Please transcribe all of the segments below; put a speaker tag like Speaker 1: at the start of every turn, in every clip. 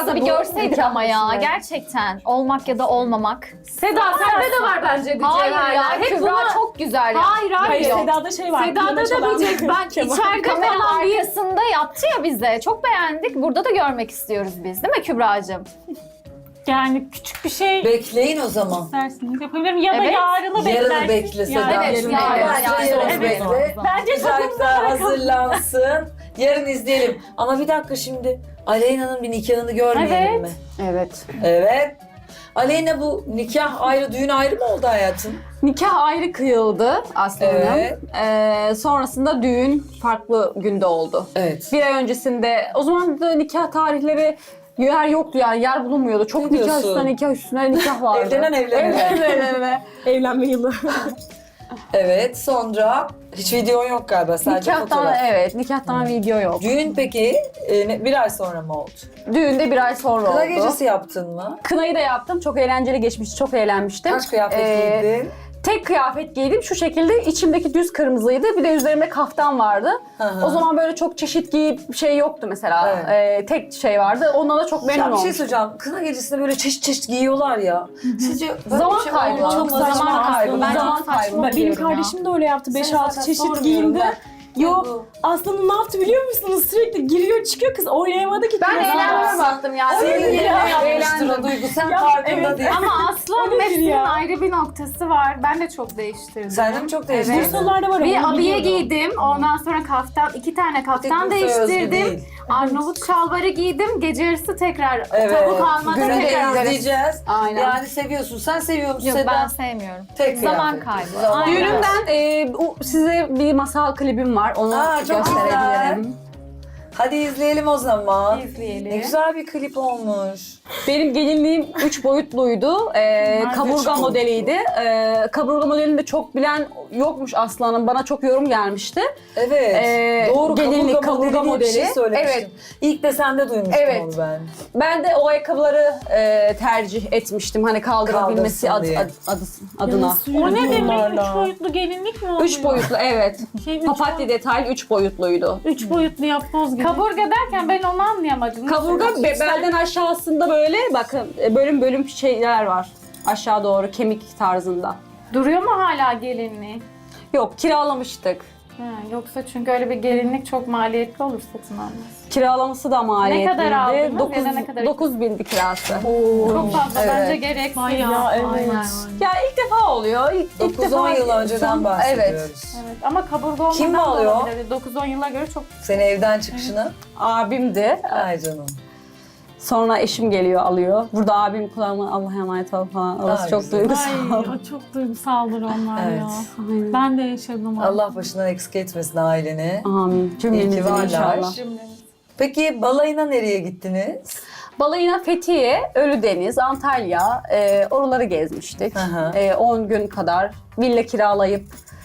Speaker 1: da bir görseydik ama ya.
Speaker 2: Evet.
Speaker 1: Gerçekten. Olmak ya da olmamak.
Speaker 3: Seda sende de var bence bir
Speaker 1: Hayır ya.
Speaker 3: cevherler. Hep
Speaker 1: Kübra
Speaker 3: bunu...
Speaker 1: çok güzel ya.
Speaker 3: Hayır
Speaker 2: Hayır,
Speaker 3: hayır.
Speaker 2: Seda'da şey var.
Speaker 3: Seda'da
Speaker 2: piyano
Speaker 3: da
Speaker 2: çalan
Speaker 3: bir cevher. Ben
Speaker 2: keman.
Speaker 3: içeride
Speaker 1: Kamera
Speaker 3: falan bir...
Speaker 1: arkasında yaptı ya bize. Çok beğendik. Burada da görmek istiyoruz biz. Değil mi Kübra'cığım?
Speaker 2: Yani küçük bir şey
Speaker 4: Bekleyin o zaman.
Speaker 2: isterseniz yapabilirim. Ya da
Speaker 1: Evet.
Speaker 2: yarını beklersiniz.
Speaker 4: Yarını bekle Seda.
Speaker 1: Evet, yarın
Speaker 4: bekle.
Speaker 2: Bence
Speaker 4: Güzel
Speaker 2: tadımıza
Speaker 4: güzel
Speaker 2: bırakalım.
Speaker 4: hazırlansın. Yarın izleyelim. Ama bir dakika şimdi. Aleyna'nın bir nikahını görmeyelim
Speaker 2: Evet.
Speaker 4: mi?
Speaker 3: Evet.
Speaker 4: Evet. Aleyna bu nikah ayrı, düğün ayrı mı oldu hayatım?
Speaker 3: Nikah ayrı kıyıldı aslında.
Speaker 4: Evet.
Speaker 3: Sonrasında düğün farklı günde oldu.
Speaker 4: Evet.
Speaker 3: Bir ay öncesinde, o zaman da nikah tarihleri yer yoktu yani, yer bulunmuyordu. Çok
Speaker 4: Ne
Speaker 3: nikah
Speaker 4: diyorsun?
Speaker 3: üstüne nikah üstüne nikah vardı.
Speaker 4: Evlenen evlenene.
Speaker 3: Evlenen.
Speaker 2: Evlenme yılı.
Speaker 4: Evet, sonra hiç video yok galiba, sadece
Speaker 3: Nikahtan,
Speaker 4: fotoğraf.
Speaker 3: evet, nikahtan video yok.
Speaker 4: Düğün peki bir ay sonra mı oldu?
Speaker 3: Düğünde bir ay sonra
Speaker 4: Kına
Speaker 3: oldu.
Speaker 4: gecesi yaptın mı?
Speaker 3: Kınayı da yaptım. Çok eğlenceli geçmişti. Çok eğlenmiştim.
Speaker 4: Kaç kıyafet giydin?
Speaker 3: Tek kıyafet giydim. Şu şekilde, içimdeki düz kırmızıydı. Bir de üzerimde kaftan vardı.
Speaker 4: Hı hı.
Speaker 3: O zaman böyle çok çeşit giyip şey yoktu mesela. Tek şey vardı. Ondan da çok memnun
Speaker 4: Ya bir şey
Speaker 3: olmuştum.
Speaker 4: söyleyeceğim. Kına gecesinde böyle çeşit çeşit giyiyorlar ya. Sizce böyle
Speaker 3: Zaman
Speaker 4: bir şey
Speaker 3: kaybı.
Speaker 4: olmaz
Speaker 3: Çok
Speaker 4: mı?
Speaker 3: saçma
Speaker 4: Zaman kaybı.
Speaker 3: aslında.
Speaker 4: Bence
Speaker 3: Zaman kaybı.
Speaker 2: Benim
Speaker 3: diyorum ya.
Speaker 2: kardeşim de öyle yaptı.
Speaker 4: Seni
Speaker 2: 5-6
Speaker 4: zaten
Speaker 2: çeşit
Speaker 4: sormuyorum
Speaker 2: giyindi.
Speaker 4: ben.
Speaker 2: Yok. Aslanım ne yaptı biliyor musunuz? Sürekli giriyor çıkıyor, kız oynayamadı ki.
Speaker 3: Ben
Speaker 2: kız.
Speaker 3: eğlenmeye baktım yani.
Speaker 4: Senin yerine yapmıştır
Speaker 3: Eğlendim.
Speaker 4: o Duygu. Sen
Speaker 2: Ya,
Speaker 4: farkında
Speaker 2: evet.
Speaker 4: değil.
Speaker 5: Ama
Speaker 2: O
Speaker 5: aslan
Speaker 2: nedir
Speaker 5: hepsinin
Speaker 2: ya?
Speaker 5: ayrı bir noktası var. Ben de çok değiştirdim.
Speaker 4: Sen de mi çok değiştirdin?
Speaker 2: Bursalılarda var.
Speaker 5: Bir
Speaker 2: onu
Speaker 5: abiye
Speaker 2: biliyordum.
Speaker 5: giydim. Ondan sonra kaftan, 2 tane kaftan
Speaker 4: Tek Bursa özgü
Speaker 5: değiştirdim.
Speaker 4: değil.
Speaker 5: Arnavut şalvarı giydim. Gece yarısı tekrar
Speaker 4: Evet.
Speaker 5: tavuk almada
Speaker 4: Günde
Speaker 5: tekrar.
Speaker 4: izleyeceğiz.
Speaker 3: Aynen.
Speaker 4: Yani seviyorsun. Sen seviyor musun
Speaker 1: Yok
Speaker 4: Seda?
Speaker 1: ben sevmiyorum.
Speaker 4: Tek
Speaker 1: Zaman
Speaker 4: kıyafet.
Speaker 1: kaybı.
Speaker 4: Zaman
Speaker 1: Aynen.
Speaker 4: kaybı.
Speaker 3: Düğünümden size bir masal klibim var. Onu
Speaker 4: Aa, çok
Speaker 3: gösterebilirim.
Speaker 4: Hadi izleyelim o zaman.
Speaker 5: İzleyelim.
Speaker 4: Ne güzel bir klip olmuş.
Speaker 3: Benim gelinliğim 3 boyutluydu. Kaburga
Speaker 4: üç
Speaker 3: modeliydi. Kaburga modelini de çok bilen yokmuş Aslanım. Bana çok yorum gelmişti.
Speaker 4: Evet. Doğru,
Speaker 3: gelinlik,
Speaker 4: kaburga modeli diye bir şey
Speaker 3: modeli.
Speaker 4: söylemiştin.
Speaker 3: Evet.
Speaker 4: İlk de sende duymuştum
Speaker 3: Evet.
Speaker 4: onu ben.
Speaker 3: Ben de o ayakkabıları tercih etmiştim. Hani kaldırabilmesi
Speaker 4: Kaldırsın diye.
Speaker 3: adına.
Speaker 2: O ne demek?
Speaker 5: Bunlarla.
Speaker 2: 3 boyutlu gelinlik mi oluyor?
Speaker 3: 3 boyutlu, evet.
Speaker 2: Şey,
Speaker 3: Papatya detaylı 3 boyutluydu.
Speaker 2: 3 boyutlu yapboz gibi.
Speaker 5: Kaburga derken ben onu anlayamadım.
Speaker 3: Kaburga belden aşağısında böyle bakın bölüm bölüm şeyler var. Aşağı doğru kemik tarzında.
Speaker 5: Duruyor mu hala gelinliği?
Speaker 3: Yok, kiralamıştık.
Speaker 5: Ha, yoksa çünkü öyle bir gelinlik çok maliyetli olur, satın almaz.
Speaker 3: Kiralaması da maliyetliydi.
Speaker 5: kadar aldınız ya da ne kadar?
Speaker 3: 9.000'di kirası.
Speaker 5: Çok fazla
Speaker 3: Evet.
Speaker 5: bence gereksiz.
Speaker 2: Bayağı, evet.
Speaker 5: Aynen.
Speaker 3: Ya ilk defa oluyor. İlk
Speaker 4: 9-10 yıl önceden bahsediyoruz.
Speaker 3: Evet.
Speaker 5: Evet ama kaburga olmadan
Speaker 4: Kim
Speaker 5: da
Speaker 4: alıyor?
Speaker 5: olabilir. 9-10 yıla göre çok.
Speaker 4: Seni evden çıkışını.
Speaker 3: Abimdi.
Speaker 4: Ay canım.
Speaker 3: Sonra eşim geliyor alıyor. Burada abim kulağıma Allah'a emanet ol falan. Orası
Speaker 4: Ay,
Speaker 3: çok
Speaker 4: güzel.
Speaker 3: duygusal.
Speaker 2: Ay, o çok duygusaldır onlar
Speaker 4: Evet.
Speaker 2: ya.
Speaker 3: Aynen.
Speaker 2: Ben de yaşadım.
Speaker 4: Allah başından eksik etmesin aileni.
Speaker 3: Amin.
Speaker 4: İyi ki
Speaker 3: Cümlemizin
Speaker 4: varlar.
Speaker 3: inşallah.
Speaker 4: Peki balayına nereye gittiniz?
Speaker 3: Balayına Fethiye, Ölüdeniz, Antalya, oraları gezmiştik.
Speaker 4: Hı hı.
Speaker 3: 10 gün kadar villa kiralayıp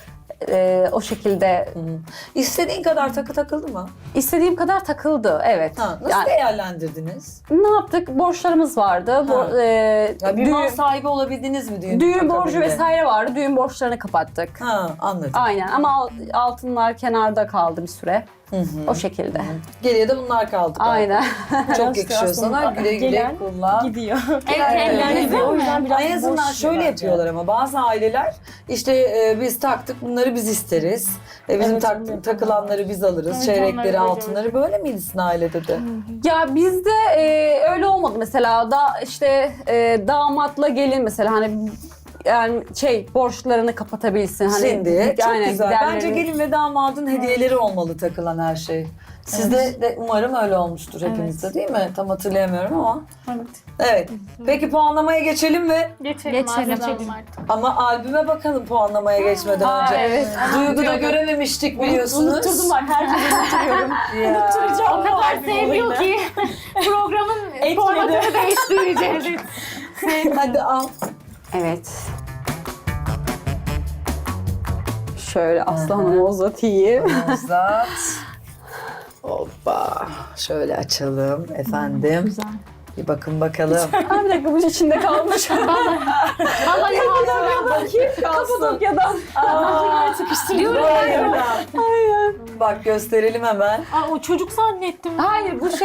Speaker 3: o şekilde
Speaker 4: İstediğin kadar takı takıldı mı?
Speaker 3: istediğim kadar takıldı. Evet.
Speaker 4: Ha, nasıl
Speaker 3: Yani
Speaker 4: değerlendirdiniz?
Speaker 3: ne yaptık? Borçlarımız vardı.
Speaker 4: Ya bir mal
Speaker 3: Düğün,
Speaker 4: sahibi olabildiniz mi düğün?
Speaker 3: düğün borcu
Speaker 4: akabinde?
Speaker 3: vesaire vardı. Düğün borçlarını kapattık.
Speaker 4: Ha, anladım.
Speaker 3: Aynen ama altınlar kenarda kaldı bir süre.
Speaker 4: Hı hı.
Speaker 3: O şekilde.
Speaker 4: Geriye de bunlar kaldı.
Speaker 3: Aynen.
Speaker 4: Çok yakışıyor sana. Güle güle
Speaker 2: Gelen
Speaker 4: kullan.
Speaker 2: gidiyor.
Speaker 5: Evlendiğinizde
Speaker 2: O yüzden
Speaker 5: mi?
Speaker 2: biraz
Speaker 4: En azından
Speaker 2: boş
Speaker 4: şöyle
Speaker 2: bence.
Speaker 4: yapıyorlar ama bazı aileler işte biz taktık bunları biz isteriz. Bizim
Speaker 2: Evet, onu
Speaker 4: takılanları biz alırız.
Speaker 5: Evet,
Speaker 4: Çeyrekleri,
Speaker 5: onları
Speaker 4: altınları böyle miydi sizin ailede de?
Speaker 3: Ya bizde öyle olmadı mesela. İşte damatla gelin mesela hani yani borçlarını kapatabilsin. Hani
Speaker 4: Şimdi çok
Speaker 3: aynen,
Speaker 4: güzel.
Speaker 3: giderlerini-
Speaker 4: Bence gelin ve damadın hediyeleri olmalı takılan her şey. Sizde de umarım öyle olmuştur hepinizde değil mi? Tam hatırlayamıyorum ama.
Speaker 5: Evet.
Speaker 4: Evet. Peki puanlamaya geçelim mi?
Speaker 5: Geçelim
Speaker 1: Geçelim.
Speaker 5: artık.
Speaker 4: Ama albüme bakalım puanlamaya geçmeden
Speaker 3: Aa,
Speaker 4: önce.
Speaker 3: evet.
Speaker 4: Duygu'da görememiştik biliyorsunuz.
Speaker 2: Unutturdum ben her şeyi unutuyorum.
Speaker 4: Ya.
Speaker 2: Unutturacağım
Speaker 5: O kadar
Speaker 2: albüm
Speaker 5: seviyor
Speaker 2: olayını.
Speaker 5: ki programın
Speaker 2: Etkiledi.
Speaker 5: formatını değiştireceğiz.
Speaker 4: Hadi al.
Speaker 3: Evet. Şöyle aslanımı uzatayım.
Speaker 4: Uzat. Hoppa. Şöyle açalım efendim.
Speaker 2: Güzel.
Speaker 4: Bir bakın bakalım.
Speaker 3: Ha, bir dakika bu içinde kalmış.
Speaker 5: Vallahi
Speaker 3: Kapadokya'dan.
Speaker 2: Sıkıştırıyorum.
Speaker 4: Bak gösterelim hemen.
Speaker 5: Aa, o çocuk zannettim.
Speaker 3: Hayır bu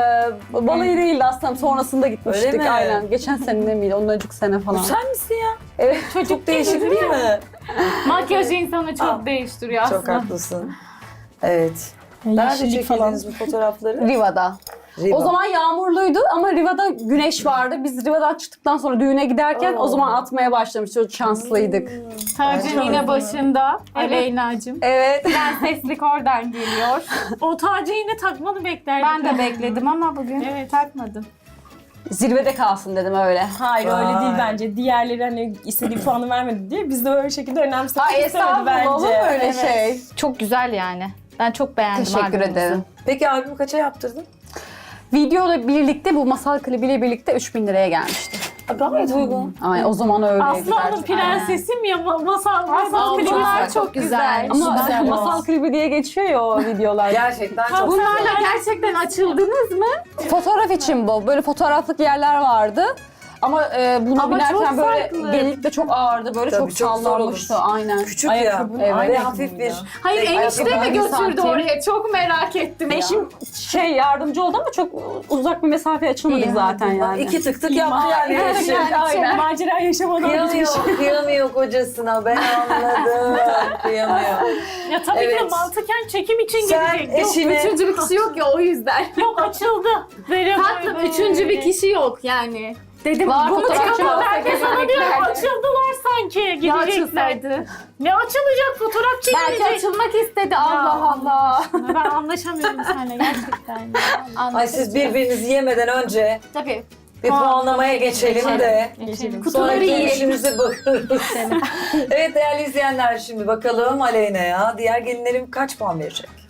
Speaker 3: balayı değildi aslında, sonrasında gitmiştik.
Speaker 4: Öyle mi?
Speaker 3: Aynen. Geçen sene miydi? Ondan önceki sene
Speaker 4: Bu
Speaker 3: falan.
Speaker 4: sen misin ya?
Speaker 3: Evet.
Speaker 4: Çok değişik değil mi?
Speaker 5: Makyaj insanı çok
Speaker 4: Aa,
Speaker 5: değiştiriyor
Speaker 4: Çok
Speaker 5: aslında.
Speaker 4: haklısın. Evet. Nerede
Speaker 2: Yeşillik falan.
Speaker 4: çekildiniz bu fotoğrafları?
Speaker 3: Riva'da.
Speaker 4: Riva.
Speaker 3: O zaman yağmurluydu ama Riva'da güneş vardı. Biz Riva'dan çıktıktan sonra düğüne giderken o zaman atmaya başlamıştık. Çok şanslıydık.
Speaker 5: Tacın yine başında. Aleyna'cığım.
Speaker 3: Evet.
Speaker 5: Prenseslik oradan geliyor. O tacı yine takmanı beklerdim. Ben de bekledim ama bugün takmadım.
Speaker 3: Zirvede kalsın dedim öyle.
Speaker 2: Hayır öyle
Speaker 4: Vay.
Speaker 2: değil bence. Diğerleri hani istediği puanı vermedi diye biz de öyle şekilde önemsemek
Speaker 3: Ay
Speaker 2: istemedi bence.
Speaker 3: estağfurullah, olur mu öyle
Speaker 2: Evet.
Speaker 3: şey?
Speaker 1: Çok güzel yani. Ben çok beğendim
Speaker 3: Teşekkür
Speaker 1: albümümüzü.
Speaker 3: ederim.
Speaker 4: Peki albümü kaça yaptırdın?
Speaker 3: Videoyla birlikte, bu masal klibiyle birlikte 3000 liraya gelmişti.
Speaker 4: Gayet uygun.
Speaker 3: Ay o zaman öyleydi.
Speaker 5: Aslanım
Speaker 3: gerçekten.
Speaker 5: prensesim ya masal klibi.
Speaker 1: Bunlar çok güzel.
Speaker 3: Ama
Speaker 2: Güzel
Speaker 3: masal klibi diye geçiyor ya o videolar.
Speaker 4: Gerçekten çok
Speaker 5: Bunlarla
Speaker 4: güzel.
Speaker 5: gerçekten açıldınız mı?
Speaker 3: Fotoğraf için bu. Böyle fotoğraflık yerler vardı. Ama buna
Speaker 5: Ama
Speaker 3: binerken
Speaker 5: çok
Speaker 3: böyle
Speaker 5: farklı.
Speaker 3: genellikle çok ağırdı. Böyle
Speaker 4: Tabii,
Speaker 3: çok
Speaker 4: çok zor
Speaker 3: sallanmıştı.
Speaker 4: olur.
Speaker 3: Aynen.
Speaker 4: Küçük
Speaker 2: Ayakkabı,
Speaker 4: ya.
Speaker 3: evet.
Speaker 4: Ve hafif bir...
Speaker 5: Hayır enişte mi
Speaker 3: ayakkabı
Speaker 5: götürdü
Speaker 3: santim.
Speaker 5: oraya? Çok merak ettim ya.
Speaker 3: Eşim yardımcı oldu ama çok uzak bir mesafe açılmadık
Speaker 1: İyi,
Speaker 3: zaten yani.
Speaker 4: İki tık tık yaptı yani. eşim.
Speaker 2: Aynen. Macera yaşamadan gitmiş.
Speaker 4: Kıyamıyor kocasına. Ben anladım. Kıyamıyor.
Speaker 5: Ya tabii ki de
Speaker 4: Evet.
Speaker 5: mantıken çekim için
Speaker 4: Sen
Speaker 5: gidecek. Yok,
Speaker 4: eşine...
Speaker 1: Üçüncü bir kişi yok ya o yüzden.
Speaker 5: yok açıldı. Böyle
Speaker 1: Tatlım
Speaker 5: böyle.
Speaker 1: üçüncü bir kişi yok yani. Dedim
Speaker 3: Var,
Speaker 1: bunu
Speaker 3: fotoğrafçı
Speaker 1: çıkamam.
Speaker 3: var.
Speaker 5: Ben de sana diyorum açıldılar sanki
Speaker 1: Ya
Speaker 5: gidecekler.
Speaker 1: açılsaydı.
Speaker 5: Ne açılacak fotoğraf
Speaker 1: Belki
Speaker 5: çekilecek.
Speaker 1: açılmak istedi. Allah Allah.
Speaker 5: Ben anlaşamıyorum seninle gerçekten.
Speaker 4: Ay siz birbirinizi yemeden önce
Speaker 1: Tabii.
Speaker 4: bir puanlamaya geçelim de.
Speaker 5: Geçelim.
Speaker 1: Kutuları
Speaker 4: Sonraki
Speaker 1: yiyelim.
Speaker 4: işimize bakarız. Evet değerli izleyenler, şimdi bakalım Aleyna'ya diğer gelinlerim kaç puan verecek?